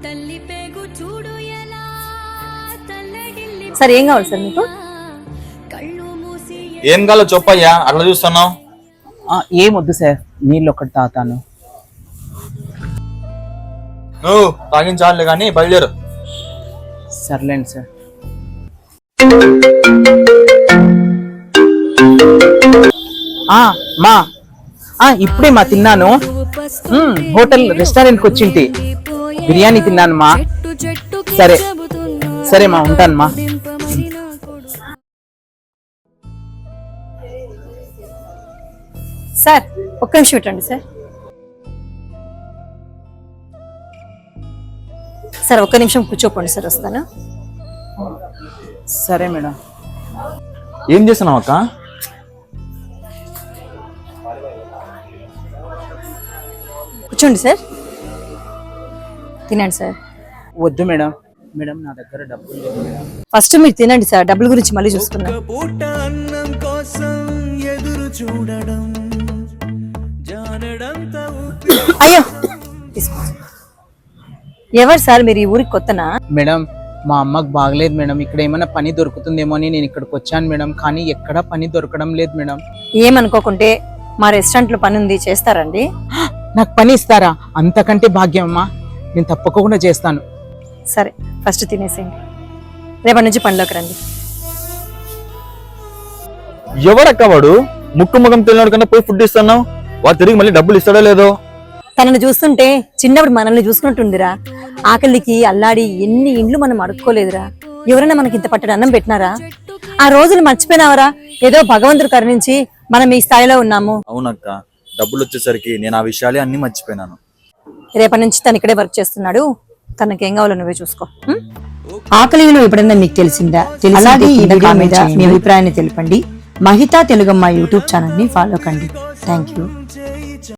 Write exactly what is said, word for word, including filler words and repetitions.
Sir ఏం కావాలి sir మీకు? ఏం కావాలో చెప్పయ్యా, అట్లా చూస్తున్నావు. ఏమొద్దు సార్, నీళ్ళు ఒకటి తాతాను. నువ్వు తాగించాలి కానీ బయలుదేరు. సర్లేండి సార్. మా ఇప్పుడే మా తిన్నాను. హోటల్ రెస్టారెంట్కి వచ్చింటి, బిర్యానీ తిన్నాను మా. సరే సరే మా, ఉంటాను మా. సార్ ఒక్క నిమిషం పెట్టండి సార్. సార్ ఒక్క నిమిషం కూర్చోపోండి సార్, వస్తాను. సరే మేడం. ఏం చేస్తున్నావు అక్క? కూర్చోండి సార్, తినండి సార్. వద్దు మేడం, మేడం నా దగ్గర డబ్బులు లేవు మేడం. ఫస్ట్ మీరు తినండి సార్, డబ్బుల గురించి మళ్ళీ చూసుకుందాం. అయ్యో ఎవరు సార్ మీరు? ఈ ఊరికి కొత్తనా? మేడం మా అమ్మకు బాగలేదు మేడం, ఇక్కడ ఏమైనా పని దొరుకుతుందేమో అని నేను ఇక్కడికి వచ్చాను మేడం, కానీ ఎక్కడా పని దొరకడం లేదు మేడం. ఏమనుకోకుంటే మా రెస్టారెంట్ లో పని ఉంది, చేస్తారండి? నాకు పని ఇస్తారా? అంతకంటే భాగ్యం అమ్మా, నేను తప్పకుండా చేస్తాను. సరే ఫస్ట్ తినేసేయండి, రేపటి నుంచి పనిలోకి రండి. ఎవరక్క వాడు? ముక్కు ముఖం తెలియడు కన్నా పోయి ఫుడ్ ఇస్తున్నావు, వాడు తిరిగి మళ్ళీ డబ్బులు ఇస్తాడో లేదో? తనని చూస్తుంటే చిన్నప్పుడు మనల్ని చూసుకున్నట్టుందిరా. ఆకలికి అల్లాడి ఎన్ని ఇండ్లు మనం అడుక్కోలేదురా. ఎవరైనా మనకి ఇంత పట్టడి అన్నం పెట్టినారా? ఆ రోజులు మర్చిపోయినావరా? ఏదో భగవంతుడు కరుణించి మనం ఈ స్థాయిలో ఉన్నాము. అవునక్క, డబ్బులు వచ్చేసరికి నేను ఆ విషయాలే అన్ని మర్చిపోయినాను. రేపటి నుంచి తను ఇక్కడే వర్క్ చేస్తున్నాడు, తనకి ఏం కావాలో నువ్వే చూసుకో. ఆకలిలో ఎప్పుడన్నా మీకు తెలిసిందా? అలాగే ఈ వీడియో మీద మీ అభిప్రాయాన్ని తెలపండి. మహితా తెలుగమ్మ యూట్యూబ్ ఛానల్ ని ఫాలో కండి. Thank you.